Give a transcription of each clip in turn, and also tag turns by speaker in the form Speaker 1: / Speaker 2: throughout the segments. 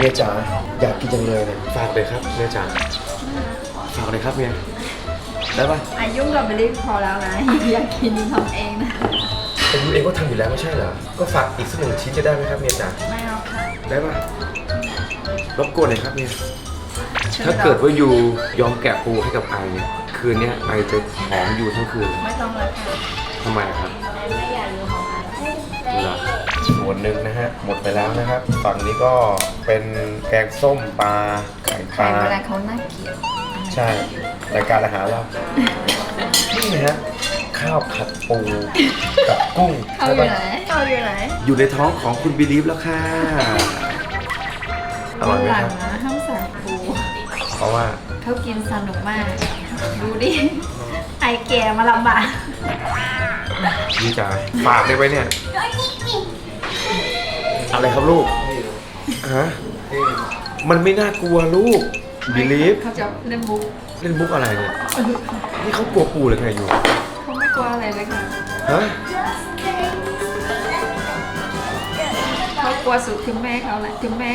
Speaker 1: มียจ๋าอยากกินจังเลยเนี่ยฝากเลยครับเมียจ๋าฝากเลยครับเมียได้ปะ
Speaker 2: ยุ่งกับเบลลี่พอแล้วนะอยากกินทำเองนะ
Speaker 1: แต่ยูเองก็ทำอยู่แล้วไม่ใช่เหรอก็ฝากอีกสัก1 ชิ้นจะได้ไหมครับเมียจ๋า
Speaker 2: ไม่เอาค่ะ
Speaker 1: ได้ปะรบกวนหน่อยครับเมียถ้าเกิดว่ายูยอมแกะปูให้กับไอเนี่ยคืนนี้ไอจะหอมอยู่ทั้งคืน
Speaker 2: ไม่ต้องเลยค่ะ
Speaker 1: ทำไมครับ
Speaker 2: ไม่อยากรู้ของไอ
Speaker 1: เหรอส่วนหนึ่งนะฮะหมดไปแล้วนะครับฝั่งนี้ก็เป็นแกงส้มปลาไข่ปลา
Speaker 2: เวลาเขาน่าเกลียด
Speaker 1: ใช่รายการอาหารเรานี่นะฮะข้าวผัดปูกับกุ้ง
Speaker 2: เขาอยู่ไหนเขาอยู่ไหน
Speaker 1: อยู่ในท้องของคุณบิลีฟแล้วค่ะอร่อยไหมครับ
Speaker 2: นะห้ามใส่ปู
Speaker 1: เพราะว่า
Speaker 2: เขากินสนุกมากดูดิไอแก่มาลำบาก
Speaker 1: นี่จ๋าฝากได้ไหมเนี่ยอะไรครับลูกฮะมันไม่น่ากลัวลูกบิลีฟ
Speaker 2: เขาจะเล่นมุก
Speaker 1: อะไรเนี่ยนี่เขากลัวปูเลยไงอยู่
Speaker 2: เขาไม่กลัวอะไรเลยค่ะ
Speaker 1: ฮะ
Speaker 2: เขากลัวสุดถึงแม่เขาแหละ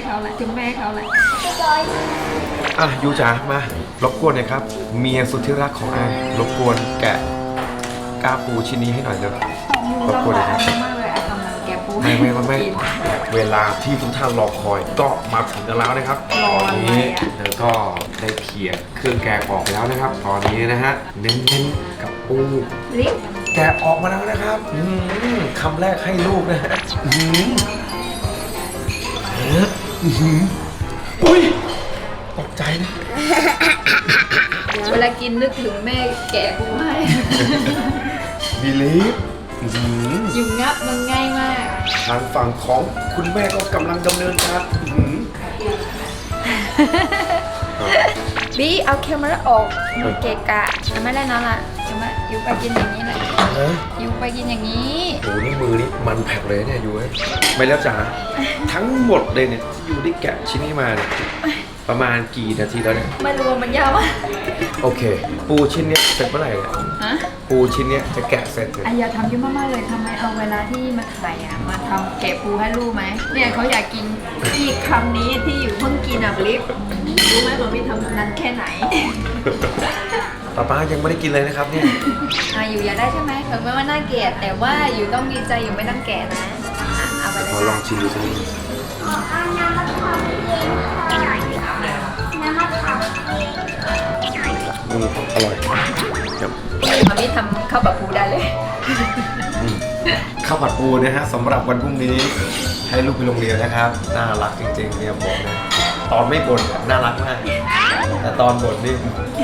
Speaker 1: อ่ะยูจ๋ามารบกวนหน่อยครับเมียสุดที่รักของไอรบกวนแกะกาปูชิ้นนี้ให้หน่อยเถอะรบกวนหน่อยครับ
Speaker 2: มากเลยไอกำลังแกะปู
Speaker 1: ไม่เวลาที่ทุกท่านรอคอยก็มาถึงกันแล้วนะครับตอนนี้เธอก็ได้เขี่ยเครื่องแกะออกแล้วนะครับตอนนี้นะฮะเน้นๆกับปูแกะออกมาแล้วนะครับคำแรกให้ลูกนะฮะอุ้ยตกใจนะ
Speaker 2: เวลากินนึกถึงแม่แกะปูให้
Speaker 1: บิลีฟ
Speaker 2: อยู่งับมันง่ายมาก
Speaker 1: ทางฝั่งของคุณแม่ก็กำลังดำเนินการ
Speaker 2: บีเอาแคมราออกมันเกะกะไม่ได้นั่นละจะมาอยู่ไปกินอย่างนี้แหละอยู่ไปกินอย่างนี้
Speaker 1: โอ้นี่มือนี่มันแผลกเลยเนี่ยอยู่ไม่แล้วจ๋าทั้งหมดเลยเนี่ยที่อยู่ได้แกะชิ้นนี้มาเนี่ยประมาณกี่นาทีแล้วเนี่ย
Speaker 2: ไม่รู้มันยาวมาก
Speaker 1: โอเคปูชิ้นเนี้ยเสร็จเมื่อไหร่เนี่ยปูชิ้นเนี้ยจะแกะเสร็จเลย
Speaker 2: อย่าทำเยอะมากๆเลยทำไมเอาเวลาที่มาถ่ายมาทำแกะปูให้ลูกไหมเนี่ยเขาอยากกินอีกคำนี้ที่อยู่เพิ่งกินอ่ะลิฟรู้ไหมว่าพี่ทำนานแค่ไหน
Speaker 1: ป้ายังไม่ได้กินเลยนะครับเนี่ย
Speaker 2: อยู่อยากได้ใช่ไหมถึงแม้ว่าน่าเกลียดแต่ว่าอยู่ต้องดีใจอยู่ไม่ต้องแกะนะเอาไปเลย
Speaker 1: ลองชิมดูสักนิดอร่อยครับ
Speaker 2: มามี่ทำข้าวผัดปูได้เลย
Speaker 1: ข้าวผัดปูนะฮะสำหรับวันพรุ่งนี้ให้ลูกไปโรงเรียนนะครับน่ารักจริงๆเนี่ยบอกนะตอนไม่บ่นน่ารักมากแต่ตอนบ่นนี่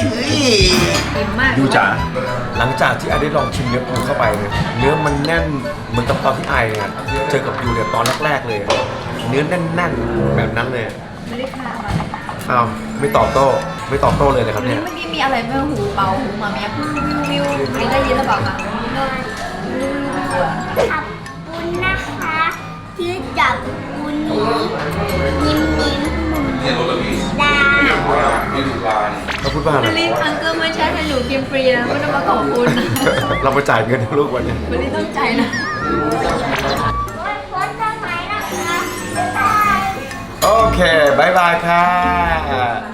Speaker 1: ดูจ๋าหลังจากที่ไอได้ลองชิมเนื้อปูเข้าไปเนี่ยเนื้อมันแน่นเหมือนกับตอนที่ไอเนี่ยเจอกับยูเนี่ยตอนแรกๆเลยเนื้อแน่นๆแบบนั้นเลย
Speaker 2: ไม่ได้ค่ะ
Speaker 1: อ้าวไม่ตอบโต้เลยนะครับเนี่ย
Speaker 2: เมื่อกี้มีอะไรไม่หูเบาหูมาเมียวิวไม่ได้ยินหรือเปล่าคะ
Speaker 3: ขอบคุณนะคะที่จับคุณยิ้มดา
Speaker 1: เขาพูดว่าอะไร
Speaker 2: ลิอังเกิลไม่ใช่ให้หนูกินฟรีนะไม่ต้องมาขอบคุณ
Speaker 1: เราไปจ่ายเงินลูกวันนี้
Speaker 2: ลิต้องจ่ายนะ
Speaker 1: โอเคบายบายค่ะ